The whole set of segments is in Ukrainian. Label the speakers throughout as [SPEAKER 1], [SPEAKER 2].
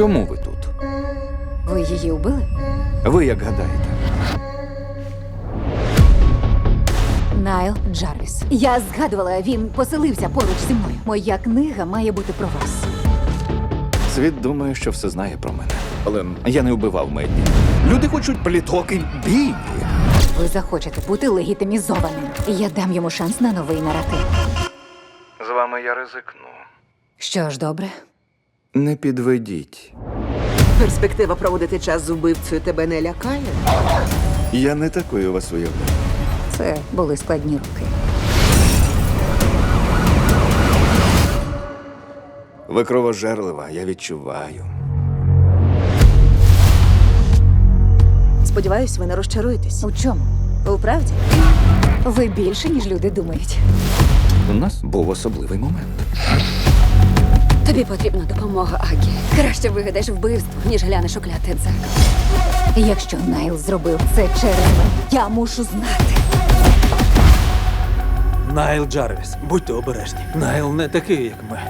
[SPEAKER 1] Чому ви тут?
[SPEAKER 2] Ви її вбили?
[SPEAKER 1] Ви як гадаєте?
[SPEAKER 2] Найл Джарвіс. Я згадувала, він поселився поруч зі мною. Моя книга має бути про вас.
[SPEAKER 1] Світ думає, що все знає про мене. Але я не вбивав Медді. Люди хочуть пліток і бійні.
[SPEAKER 2] Ви захочете бути легітимізованим. Я дам йому шанс на новий наратив.
[SPEAKER 1] З вами я ризикну.
[SPEAKER 2] Що ж, добре.
[SPEAKER 1] Не підведіть.
[SPEAKER 3] Перспектива проводити час з убивцею тебе не лякає?
[SPEAKER 1] Я не такою вас уявляю.
[SPEAKER 2] Це були складні роки.
[SPEAKER 1] Ви кровожерлива, я відчуваю.
[SPEAKER 3] Сподіваюсь, ви не розчаруєтесь.
[SPEAKER 2] У чому?
[SPEAKER 3] У правді?
[SPEAKER 2] Ви більше, ніж люди думають.
[SPEAKER 1] У нас був особливий момент.
[SPEAKER 4] Тобі потрібна допомога, Агі. Краще вигадаєш вбивство, ніж глянеш у кляте дзеркало.
[SPEAKER 2] Якщо Найл зробив це через мене, я мушу знати.
[SPEAKER 5] Найл Джарвіс, будьте обережні. Найл не такий, як ми.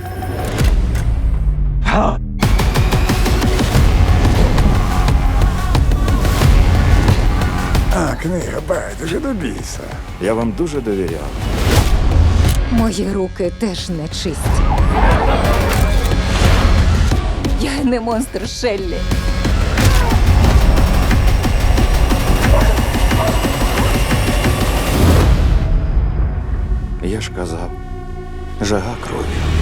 [SPEAKER 6] А, книга байдуже до біса.
[SPEAKER 1] Я вам дуже довіряв.
[SPEAKER 2] Мої руки теж не чисті. Я не монстр Шеллі.
[SPEAKER 1] Я ж казав, жага крові.